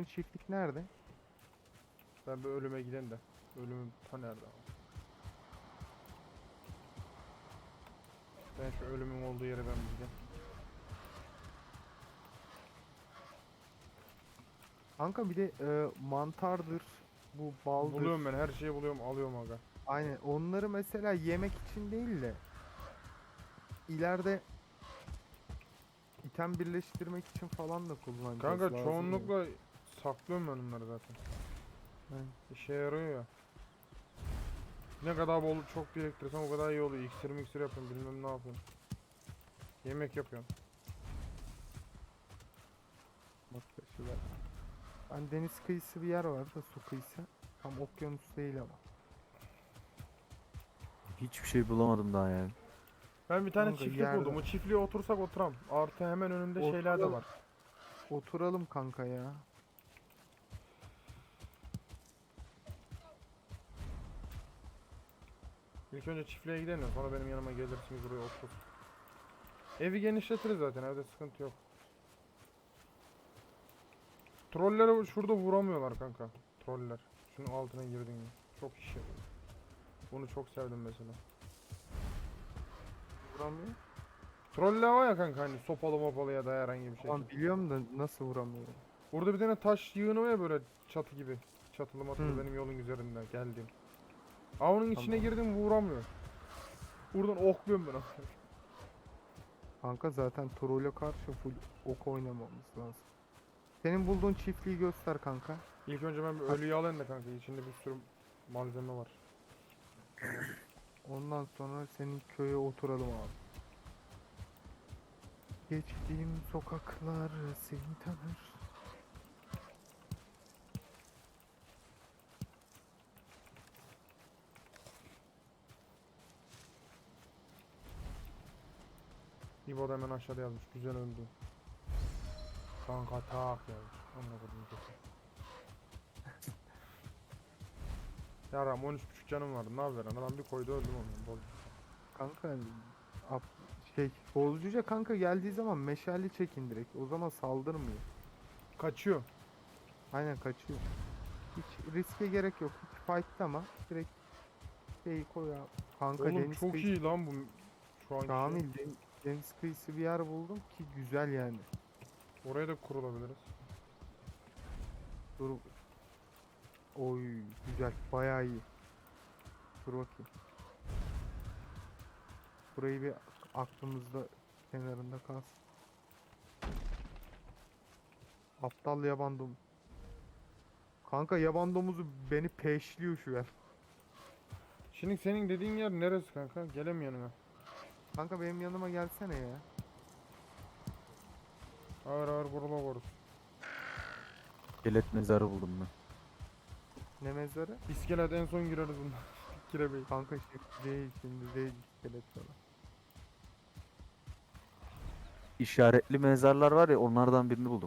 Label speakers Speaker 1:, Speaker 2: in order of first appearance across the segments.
Speaker 1: bulduğun çiftlik nerede?
Speaker 2: Ben bir ölüme giden de. Ölümüm ta nerede ama. Ben şu ölümün olduğu yere ben bir gideyim.
Speaker 1: Kanka bir de mantardır, bu baldır.
Speaker 2: Buluyorum ben her şeyi buluyorum alıyorum aga.
Speaker 1: Aynen onları mesela yemek için değil de ileride item birleştirmek için falan da kullanacağız.
Speaker 2: Kanka
Speaker 1: Lazım ya.
Speaker 2: çoğunlukla saklıyorum ben onları zaten.
Speaker 1: Aynen.
Speaker 2: İşe yarıyor ya. Ne kadar bol çok biriktirsem o kadar iyi oluyor. İksir yapıyorum bilmem ne yapıyorum. Yemek yapıyorum.
Speaker 1: Bak taşı ver. Ben deniz kıyısı bir yer var da su kıyısı. Tam okyanus değil ama.
Speaker 3: Hiçbir şey bulamadım daha yani.
Speaker 2: Ben bir tane
Speaker 1: Kanka
Speaker 2: çiftlik buldum. O çiftliğe otursak oturam. Artı hemen önünde şeyler de
Speaker 1: Oturalım.
Speaker 2: var.
Speaker 1: Oturalım kanka ya.
Speaker 2: İlk önce çiftliğe gidelim de sonra benim yanıma gelirsiniz buraya otur. Evi genişletiriz zaten evde sıkıntı yok. Trolleri şurada vuramıyorlar kanka. Troller. Şunun altına girdin ya. Çok iş yapıyor. Bunu çok sevdim mesela.
Speaker 1: Vuramıyor.
Speaker 2: Troller var ya kanka hani sopalı mopalı ya da herhangi bir şey.
Speaker 1: Tamam biliyorum da nasıl vuramıyor?
Speaker 2: Burada bir tane taş yığını var ya böyle çatı gibi. Çatılı matılı
Speaker 1: Hı.
Speaker 2: benim yolun üzerinde geldim. Aa onun içine
Speaker 1: Tamam.
Speaker 2: girdim vuramıyor. Buradan okluyorum ben onu.
Speaker 1: Kanka zaten trolle karşı full ok oynamamız lazım. Senin bulduğun çiftliği göster kanka.
Speaker 2: İlk önce ben bir ölüyü alayım da kanka içinde bir sürü malzeme var.
Speaker 1: Ondan sonra senin köye oturalım abi. Geçtiğim sokaklar seni tanır.
Speaker 2: İbo da hemen aşağıda yazmış. Güzel öldü. Kanka tak yazmış. Anladım. Yaram 13.5 canım vardı. Ne haber? Adam bir koydu öldüm onu. Bol.
Speaker 1: Kanka ap- Bozcuca kanka geldiği zaman meşale çekin direkt. O zaman saldırmıyor.
Speaker 2: Kaçıyor.
Speaker 1: Aynen kaçıyor. Hiç riske gerek yok. Hiç fight'lama. Direkt şeyi koy abi. Kanka
Speaker 2: Oğlum
Speaker 1: deniz
Speaker 2: çok
Speaker 1: kıyısı.
Speaker 2: iyi lan bu şu anki şey.
Speaker 1: Kamil deniz kıyısı bir yer buldum ki güzel yani.
Speaker 2: Oraya da kurulabiliriz.
Speaker 1: Dur. Oy güzel. Bayağı iyi. Dur bakayım. Burayı bir aklımızda kenarında kalsın. Aptal yaban domuz. Kanka yaban domuzu beni peşliyor şu an.
Speaker 2: Şimdi senin dediğin yer neresi kanka? Gelem yanına.
Speaker 1: Kanka benim yanıma gelsene ya.
Speaker 2: Ağır ağır vurula vurur.
Speaker 3: İskelet mezarı buldum ben.
Speaker 1: Ne mezarı?
Speaker 2: İskelet en son gireriz bundan. Giremeyiz.
Speaker 1: Kanka şimdi değil iskelet falan.
Speaker 3: İşaretli mezarlar var ya onlardan birini buldum.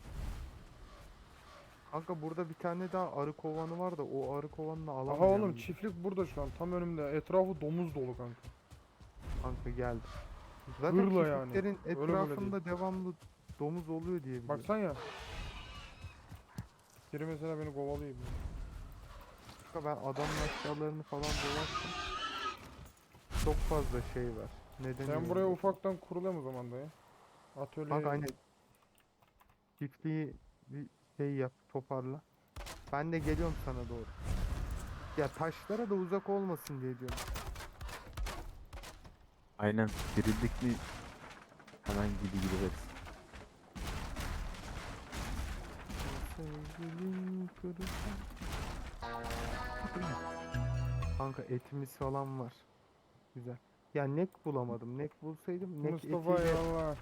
Speaker 1: Kanka burada bir tane daha arı kovanı var da o arı kovanını
Speaker 2: Aha
Speaker 1: alamayacağım
Speaker 2: oğlum
Speaker 1: gibi.
Speaker 2: çiftlik burada şu an tam önümde. Etrafı domuz dolu kanka.
Speaker 1: Kanka geldi. Zaten
Speaker 2: Hırla yani.
Speaker 1: çiftliklerin
Speaker 2: Öyle böyle değil.
Speaker 1: etrafında devamlı domuz oluyor diye biliyorum.
Speaker 2: Baksan ya. Biri mesela beni kovalıyor.
Speaker 1: Kanka ben adamın aşağılarını falan dolaştım. Çok fazla şey var. Neden
Speaker 2: Sen buraya ufaktan kurulayım o zaman da ya. Atölye.
Speaker 1: Kanka aynen çiftliği bir şey yap toparla. Ben de geliyorum sana doğru. Ya taşlara da uzak olmasın diye diyorum.
Speaker 3: Aynen dirildik mi hemen gideriz.
Speaker 1: Sevgilim kırılsın. Kanka etimiz falan var. Güzel. Ya nek bulamadım. Nek bulsaydım nek
Speaker 2: Mustafa
Speaker 1: etiyle...
Speaker 2: eyvallah.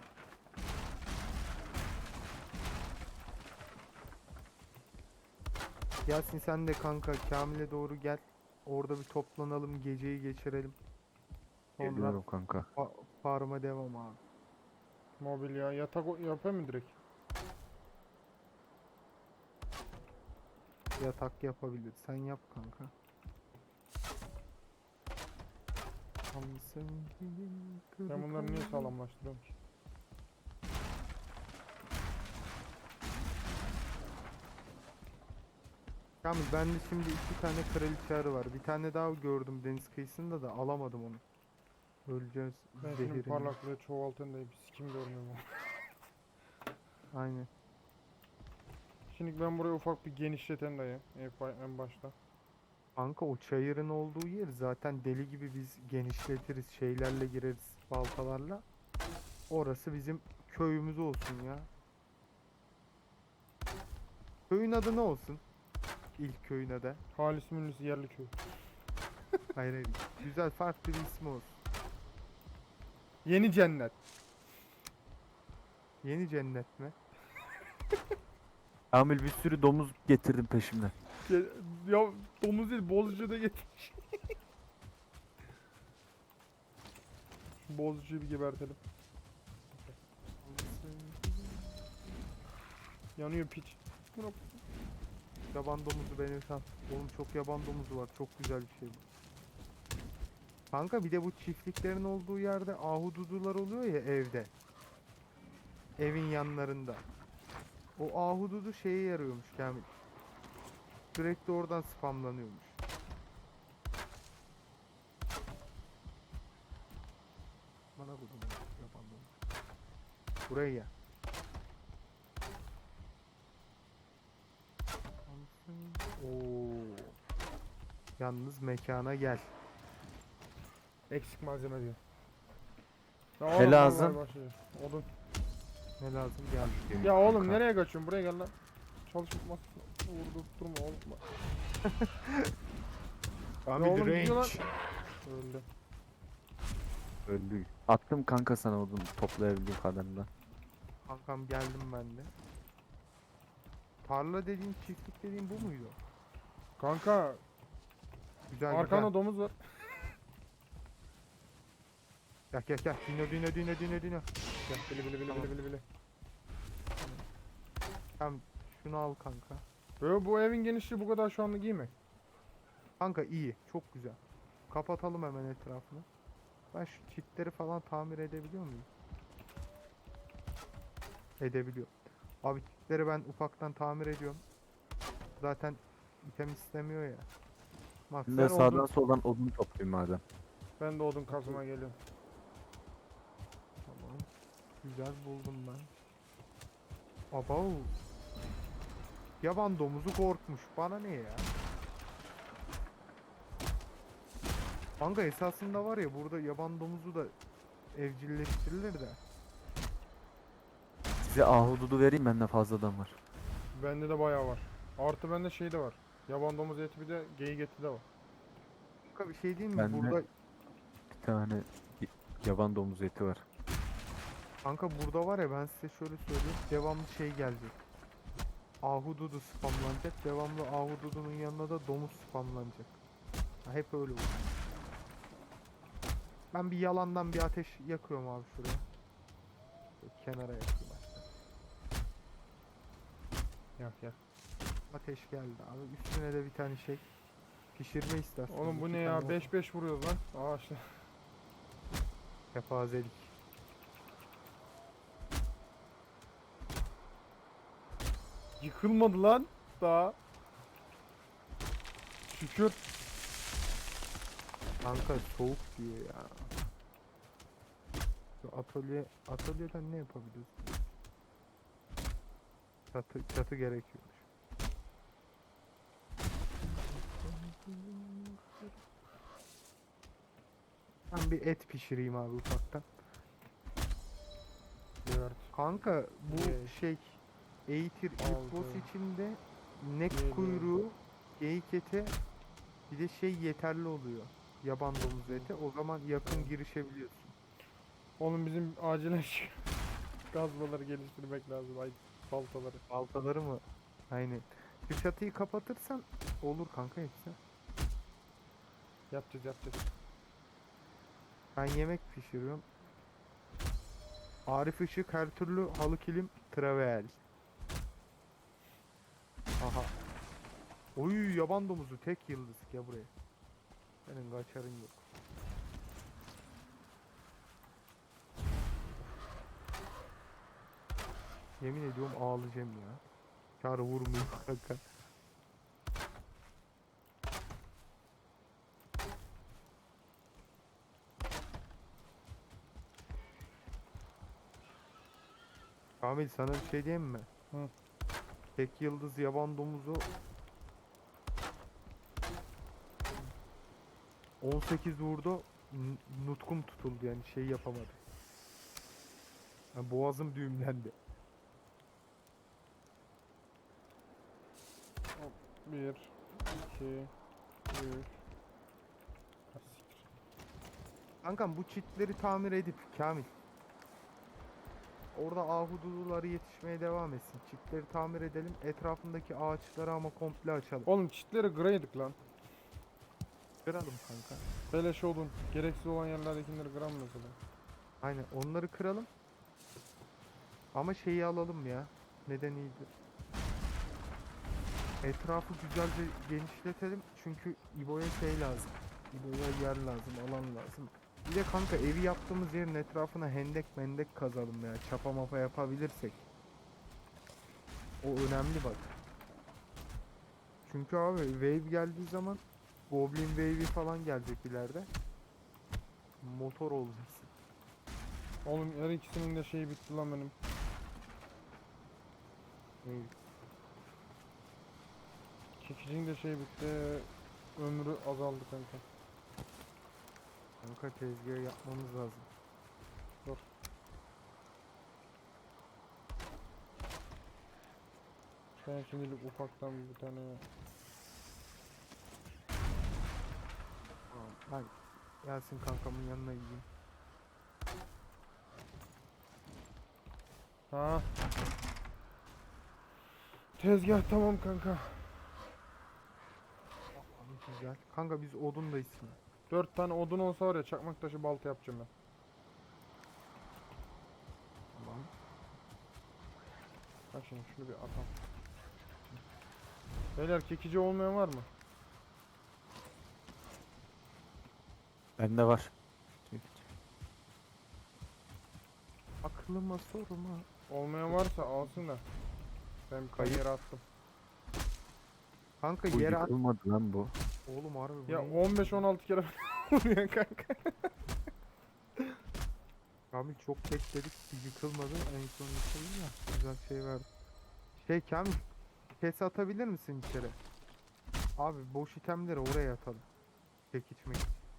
Speaker 1: Yasin sen de kanka Kamil'e doğru gel. Orada bir toplanalım. Geceyi geçirelim. Sonra
Speaker 3: Geliyorum kanka.
Speaker 1: farma devam abi.
Speaker 2: Mobilya yatak yapayım mı direkt?
Speaker 1: Yatak yapabilir. Sen yap kanka. Tam sevgilim
Speaker 2: Ben bunları niye
Speaker 1: kırık
Speaker 2: sağlamlaştırıyorum ki?
Speaker 1: Yalnız bende şimdi 2 tane kraliçe arı var. Bir tane daha gördüm deniz kıyısında da alamadım onu. Öleceğiz
Speaker 2: Ben şunun
Speaker 1: zehirinden.
Speaker 2: parlaklığı çoğaltayım da bir sikim görmüyorum.
Speaker 1: Aynen.
Speaker 2: Şimdi ben burayı ufak bir genişleten dayı. En başta.
Speaker 1: Kanka o çayırın olduğu yer zaten deli gibi biz genişletiriz. Şeylerle gireriz baltalarla. Orası bizim köyümüz olsun ya. Köyün adı ne olsun? İlk köyün adı.
Speaker 2: Halis Münlis yerli köy.
Speaker 1: Hayır hayır. Güzel farklı bir ismi olsun.
Speaker 2: Yeni cennet.
Speaker 1: Yeni cennet mi?
Speaker 3: Kamil bir sürü domuz getirdim peşimden.
Speaker 2: Ya domuz değil bozcuyu da getirmiş. Şu bozcuyu bir gebertelim. Yanıyor piç. Buna-
Speaker 1: Yaban domuzu beni sat. Oğlum çok yaban domuzu var. Çok güzel bir şey bu. Kanka bir de bu çiftliklerin olduğu yerde ahududular oluyor ya evde. Evin yanlarında. O ahududu şeye yarıyormuş Kamil. Sürekli oradan spamlanıyormuş. Bana vurdum yaban domuzu. Buraya gel. Oo. Yalnız mekana gel.
Speaker 2: Eksik malzeme diyor. Ya
Speaker 3: Ne
Speaker 2: oğlum,
Speaker 3: lazım?
Speaker 2: vallahi başlıyor. Odun.
Speaker 1: Ne lazım gel.
Speaker 2: Ya oğlum nereye kaçıyorsun? Buraya gel lan. Çalışmak vurdurtturma oğlum.
Speaker 1: Kamil
Speaker 2: Ya oğlum gidiyor lan.
Speaker 1: range.
Speaker 2: Öldü.
Speaker 3: Öldü. Attım kanka sana odun toplayabildiğim kadarıyla.
Speaker 1: Kankam geldim ben de. Tarla dediğin çiftlik dediğin bu muydu?
Speaker 2: Kanka
Speaker 1: Güzel
Speaker 2: arkanda
Speaker 1: güzel.
Speaker 2: domuz var.
Speaker 1: Gel gel gel. Dino.
Speaker 2: Gel bili.
Speaker 1: Tamam şunu al kanka.
Speaker 2: Böyle bu evin genişliği bu kadar şu anlık iyi mi?
Speaker 1: Kanka iyi. Çok güzel. Kapatalım hemen etrafını. Ben şu çitleri falan tamir edebiliyor muyum? Edebiliyor. Abi çitleri ben ufaktan tamir ediyorum. Zaten item istemiyor ya. Bak
Speaker 3: Ben
Speaker 1: sen
Speaker 3: de sağdan
Speaker 1: odun.
Speaker 3: soldan odun toplayayım madem.
Speaker 2: Ben de odun kazmaya geliyorum.
Speaker 1: Tamam. Güzel buldum ben. Aba. Yaban domuzu korkmuş. Bana ne ya? Kanka esasında var ya burada yaban domuzu da evcilleştirilir de.
Speaker 3: Size ahududu vereyim bende fazladan var.
Speaker 2: Bende de bayağı var. Artı bende şey de var. Yaban domuz eti bir de geyik eti de var.
Speaker 1: Kanka bir şey diyeyim mi?
Speaker 3: Ben de-
Speaker 1: Burada
Speaker 3: Bir tane yaban domuz eti var.
Speaker 1: kanka burada var ya ben size şöyle söyleyeyim. Devamlı şey gelecek. Ahududu spamlanacak. Devamlı ahududunun yanına da domuz spamlanacak. Ha, hep öyle olur. Ben bir yalandan bir ateş yakıyorum abi şuraya. Şöyle kenara yakayım hatta.
Speaker 2: Yak.
Speaker 1: Ateş geldi abi. Üstüne de bir tane şey. Pişirme istasyonu.
Speaker 2: Oğlum bu
Speaker 1: 2
Speaker 2: ne
Speaker 1: tane
Speaker 2: ya? 5-5 vuruyoruz lan. Aa işte.
Speaker 1: kepazelik.
Speaker 2: Yıkılmadı lan. Daha. Şükür.
Speaker 1: Kanka soğuk diyor ya. Şu atölyeden ne yapabiliriz? Çatı gerekiyormuş. Ben bir et pişireyim abi ufaktan.
Speaker 2: Evet.
Speaker 1: Kanka bu
Speaker 2: Evet.
Speaker 1: şey Eğitir ilk boss
Speaker 2: Aldı.
Speaker 1: içinde nek
Speaker 2: Geliyor.
Speaker 1: kuyruğu, geyik eti bir de şey yeterli oluyor. Yaban domuz eti. O zaman yakın girişebiliyorsun.
Speaker 2: Oğlum bizim acilen şu kazmaları geliştirmek lazım. Ay baltaları.
Speaker 1: Baltaları mı? Aynen. Şu çatıyı kapatırsan olur kanka hepsi.
Speaker 2: Yapacağız.
Speaker 1: Ben yemek pişiriyorum. Arif Işık her türlü halı kilim travel. Aha. Oy yaban domuzu tek yıldız ya buraya. Senin kaçarın yok. Yemin ediyorum ağlayacağım ya. Çağrı vurmuyor kanka. Kamil sana bir şey diyeyim mi?
Speaker 2: Hı.
Speaker 1: Tek yıldız yaban domuzu 18 vurdu. Nutkum tutuldu yani şey yapamadı. Yani boğazım düğümlendi.
Speaker 2: Hop, 1, 2, 3.
Speaker 1: Kankam bu çitleri tamir edip Kamil. Orada ahududuları yetişmeye devam etsin. Çitleri tamir edelim. Etrafındaki ağaçları ama komple açalım.
Speaker 2: Oğlum çitleri kıraydık lan.
Speaker 1: Kıralım kanka.
Speaker 2: Beleş olun. Gereksiz olan yerlerdekileri kıram mesela.
Speaker 1: Aynen onları kıralım. Ama şeyi alalım ya. Neden iyiydi? Etrafı güzelce genişletelim. Çünkü İbo'ya şey lazım. İbo'ya yer lazım, alan lazım. Bir de kanka evi yaptığımız yerin etrafına hendek mendek kazalım ya. Çapa mapa yapabilirsek. O önemli bak. Çünkü abi wave geldiği zaman Goblin wave'i falan gelecek ileride. Motor olacaksın.
Speaker 2: Oğlum her ikisinin de şeyi bitti lan benim.
Speaker 1: Wave.
Speaker 2: Çekicinin de şey bitti. Ömrü azaldı kanka.
Speaker 1: Kanka tezgahı yapmamız lazım.
Speaker 2: Ben şimdilik ufaktan bir tane
Speaker 1: Tamam. Hadi. Yasin kankamın yanına gideyim.
Speaker 2: ha. Tezgah tamam kanka.
Speaker 1: Abi güzel. Kanka biz odundayız şimdi.
Speaker 2: 4 tane odun olsa var ya çakmak taşı balta yapacağım ben.
Speaker 1: Tamam.
Speaker 2: Bak şimdi şunu bir atalım. Beyler kekici olmayan var mı?
Speaker 3: Bende var.
Speaker 1: Aklıma sorma.
Speaker 2: Olmayan varsa alsın da. Ben bir
Speaker 1: Kayıp.
Speaker 2: yere attım.
Speaker 1: Kanka
Speaker 3: Bu
Speaker 1: yere at.
Speaker 3: yıkılmadı lan bu.
Speaker 1: Oğlum harbi bu
Speaker 2: Ya
Speaker 1: ne?
Speaker 2: 15-16 kere vuruyor kanka.
Speaker 1: Kamil çok bekledik. Bir yıkılmadı. En son yıkıldı ya. Güzel şey verdi. Şey Kamil. Kes atabilir misin içeri? Abi boş itemleri oraya atalım. Çek içmek.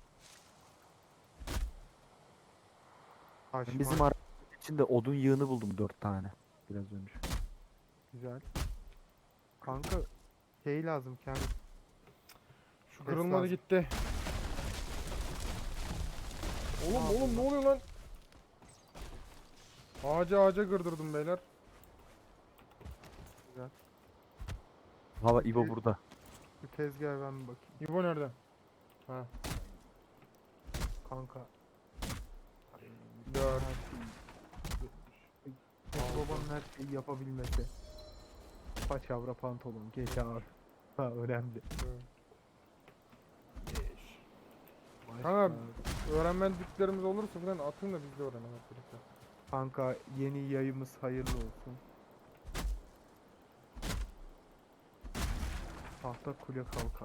Speaker 1: Taş,
Speaker 3: Ben bizim
Speaker 1: maş,
Speaker 3: arabanın içinde odun yığını buldum 4 tane. Biraz önce.
Speaker 1: güzel. Kanka şey lazım Kamil.
Speaker 2: Şu
Speaker 1: Kes
Speaker 2: kırılmadı
Speaker 1: lazım.
Speaker 2: gitti. Oğlum
Speaker 1: Ne
Speaker 2: oğlum ne oluyor lan? Ağaca kırdırdım beyler.
Speaker 1: Güzel.
Speaker 3: Hava İbo
Speaker 1: Bir-
Speaker 3: burada.
Speaker 1: Bir tezgaha ben bir bakayım.
Speaker 2: İbo nerede? Ha.
Speaker 1: Kanka.
Speaker 2: 4.
Speaker 1: Babanın her şeyi yapabilmesi. Paçavra pantolon, gece ağır. Ha önemli. Başka-
Speaker 2: Kanka, öğrenmediklerimiz olursa falan atın da biz de öğrenelim hep birlikte.
Speaker 1: Kanka yeni yayımız hayırlı olsun. Tahta kule kalkan.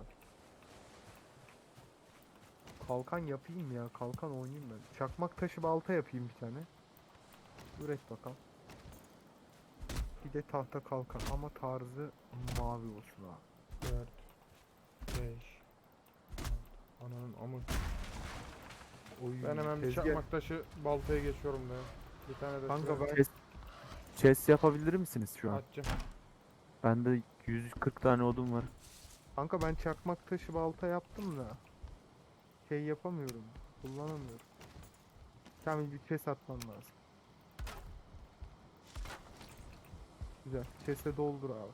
Speaker 1: Kalkan yapayım ya. Kalkan oynayayım ben. Çakmak taşı balta yapayım bir tane. Üret bakalım. Bir de tahta kalkan ama tarzı mavi olsun abi.
Speaker 2: 4 5 Ananın amı.
Speaker 1: Oy,
Speaker 2: Ben hemen bir
Speaker 1: tezgah-
Speaker 2: çakmak taşı baltaya geçiyorum be. Bir tane de
Speaker 1: Kanka
Speaker 2: şuraya
Speaker 1: ben
Speaker 3: Chest yapabilir misiniz şu an?
Speaker 2: atacağım.
Speaker 3: Bende 140 tane odun var.
Speaker 1: kanka ben çakmak taşı balta yaptım da şey yapamıyorum. Kullanamıyorum. Kamil bir chest atman lazım. Güzel. Chest'e doldur abi.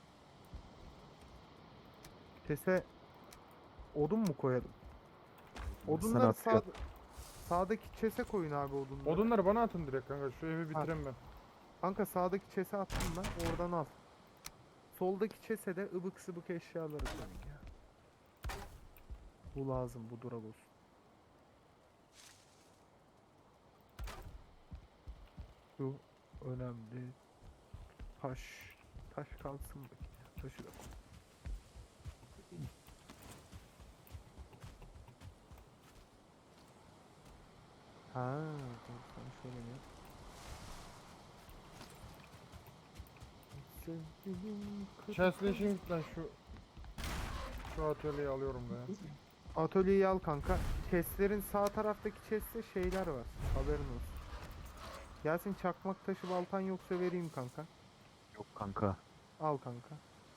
Speaker 1: Chest'e odun mu koyalım?
Speaker 3: Sana
Speaker 1: Odunları
Speaker 3: atıyorum.
Speaker 1: sağdaki chest'e koyun abi odunları.
Speaker 2: Odunları bana atın direkt kanka. Şu evi bitireyim ben.
Speaker 1: Kanka sağdaki chest'e attım ben. Oradan al. Soldaki chest'e de ıbık sıbık eşyaları koyun ya. Bu lazım. Bu dural olsun. Şu önemli. Taş. Taş kalsın bakayım ya. Taşı da koy. Ha, dur, sen şöyle yap. Sevgilim
Speaker 2: Chest'le işin git lan şu atölyeyi alıyorum da ya.
Speaker 1: Atölyeyi al kanka. Chestlerin sağ taraftaki chestte şeyler var. Haberin olsun. Yasin çakmak taşı baltan yoksa vereyim kanka.
Speaker 3: Yok kanka.
Speaker 1: Al kanka.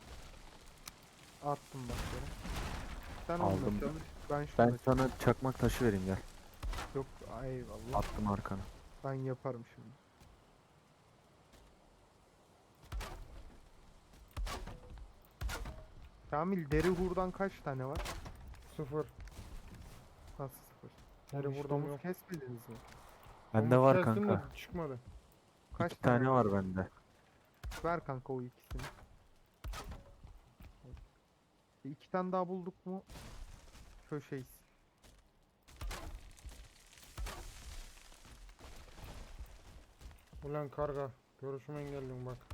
Speaker 1: Attım bak yere. Sen onunla
Speaker 3: Aldım.
Speaker 1: çalış. Ben
Speaker 3: Ben
Speaker 1: şununla
Speaker 3: sana çakmak taşı vereyim gel.
Speaker 1: Yok eyvallah.
Speaker 3: Attım arkana.
Speaker 1: Ben yaparım şimdi. Kamil deri hurdan kaç tane var?
Speaker 2: 0.
Speaker 1: Nasıl sıfır?
Speaker 2: Deri
Speaker 1: Oğlum hiç
Speaker 2: hurdam
Speaker 1: domuz
Speaker 2: yok.
Speaker 1: kesmediniz mi?
Speaker 3: Bende
Speaker 2: Domuz
Speaker 3: var
Speaker 2: kestim de
Speaker 3: kanka.
Speaker 2: çıkmadı.
Speaker 1: Kaç
Speaker 3: 2 tane
Speaker 1: var?
Speaker 3: var bende.
Speaker 1: Ver kanka o ikisini. 2 tane daha bulduk mu? Köşeyiz.
Speaker 2: Ulan karga. Görüşümü engelliyorum bak.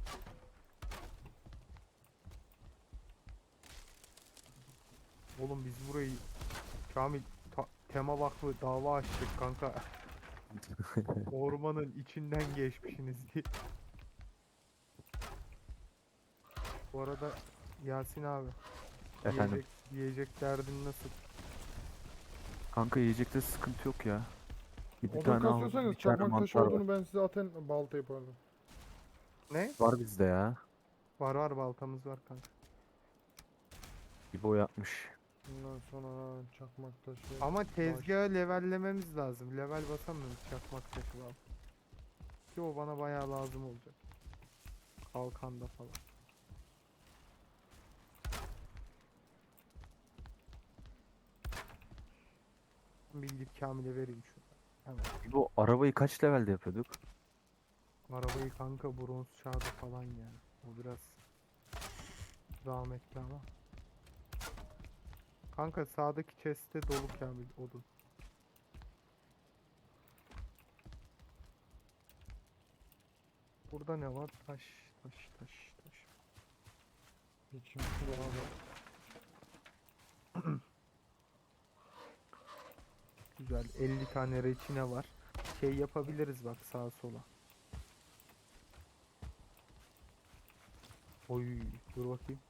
Speaker 1: Oğlum biz burayı Kamil tema vakfı dava açtık kanka. Ormanın içinden geçmişsiniz diye. Bu arada Yasin abi
Speaker 3: Efendim.
Speaker 1: yiyecek derdin nasıl?
Speaker 3: Kanka yiyecekte sıkıntı yok ya. Bir
Speaker 2: Odun
Speaker 3: tane aldım.
Speaker 2: kasıyorsanız
Speaker 3: Bir tane
Speaker 2: çakmak taşı
Speaker 3: mantar var.
Speaker 2: olduğunu ben size atın balta yapardım.
Speaker 1: Ne?
Speaker 3: Var bizde ya.
Speaker 1: Var baltamız var kanka.
Speaker 3: İbo yapmış.
Speaker 2: Bundan sonra çakmak taşı.
Speaker 1: Ama tezgahı levellememiz lazım. Level basamıyoruz çakmak taşı var. Ki o bana bayağı lazım olacak. Kalkanda falan. Bir gidip Kamil'e vereyim şunu. Hemen.
Speaker 3: İbo arabayı kaç levelde yapıyorduk?
Speaker 1: Arabayı kanka bronz çağda falan ya. O biraz zahmetli ama. Kanka sağdaki chest'te dolu Kamil odun. Burada ne var? Taş.
Speaker 2: İçim dolaba.
Speaker 1: Güzel. 50 tane reçine var. Şey yapabiliriz bak sağa sola. Oy, dur bakayım.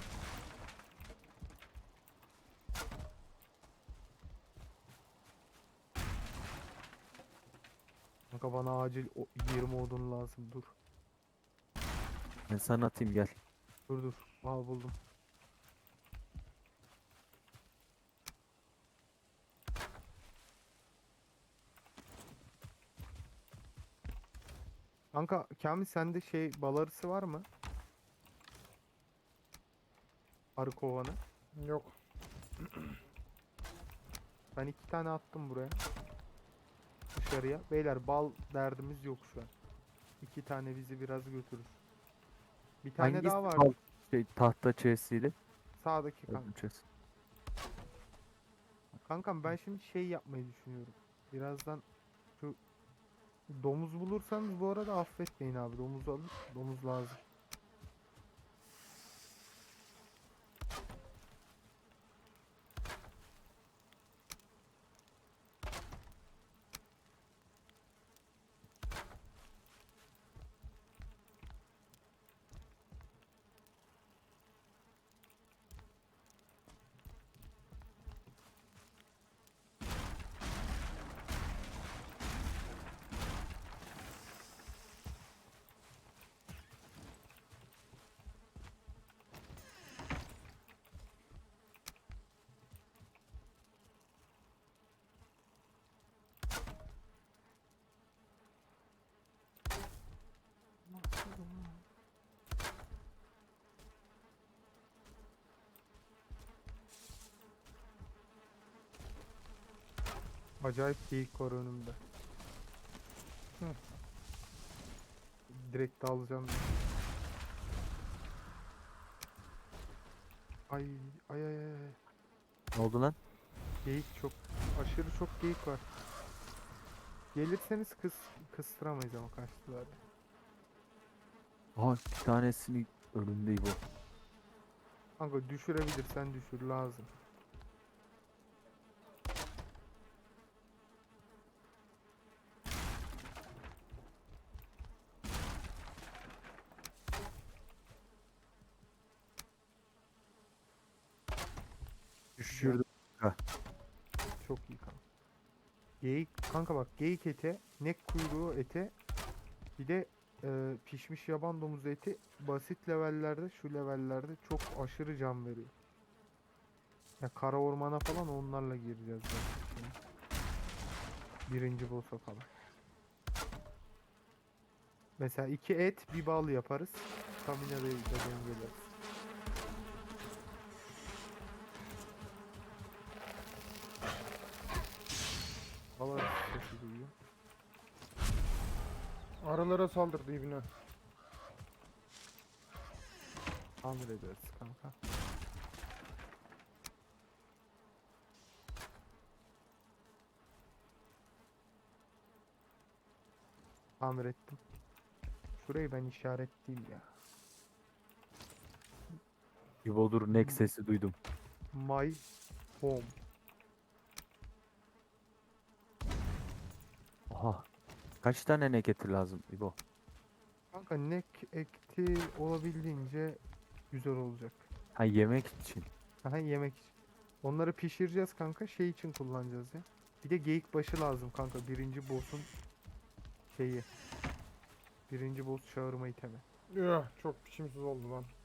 Speaker 1: Kanka bana acil 20 odun lazım. Dur.
Speaker 3: Ben sana atayım gel.
Speaker 1: Dur. Al buldum. Kanka Kamil sende şey bal arısı var mı? Arı kovanı.
Speaker 2: Yok.
Speaker 1: Ben 2 tane attım buraya. Dışarıya. Beyler bal derdimiz yok şu an. 2 tane bizi biraz götürür. Bir tane
Speaker 3: Hangisi
Speaker 1: daha var.
Speaker 3: şey, tahta chest'iyle?
Speaker 1: Sağdaki kanka.
Speaker 3: Öldüm chest.
Speaker 1: Kankam ben şimdi şey yapmayı düşünüyorum. Birazdan şu domuz bulursanız bu arada affetmeyin abi. Domuz alın. Domuz lazım. Acayip geyik var önümde.
Speaker 2: Hı.
Speaker 1: Direkt alacağım. Ay ay ay ay.
Speaker 3: Ne oldu lan?
Speaker 1: Geyik çok aşırı çok geyik var. Gelirseniz kıstıramayız ama kaçtılar.
Speaker 3: Aa bir tanesini önünde İbo.
Speaker 1: Kanka düşürebilirsen düşür lazım.
Speaker 3: Düşürdüm.
Speaker 1: Çok iyi kanka. Geyik kanka bak, geyik eti, nek kuyruğu eti, bir de pişmiş yaban domuzu eti basit levellerde, şu levellerde çok aşırı can veriyor. Ya kara ormana falan onlarla gireceğiz zaten. Birinci boss'a falan. Mesela 2 et bir bal yaparız. Stamina da dengeleriz. Hava sesi duyuyor.
Speaker 2: Arılara saldırdı ibine.
Speaker 1: Tamir ederiz kanka. Tamir ettim. Şurayı ben işaretleyeyim ya.
Speaker 3: İbo dur, nek sesi duydum.
Speaker 1: My home.
Speaker 3: Oha. Kaç tane nek eti lazım İbo?
Speaker 1: Kanka nek ekti olabildiğince güzel olacak.
Speaker 3: Ha, yemek için.
Speaker 1: Aha, yemek için. Onları pişireceğiz kanka, şey için kullanacağız ya. Bir de geyik başı lazım kanka, birinci boss'un şeyi. Birinci boss çağırma itemi.
Speaker 2: Üh, çok biçimsiz oldu lan.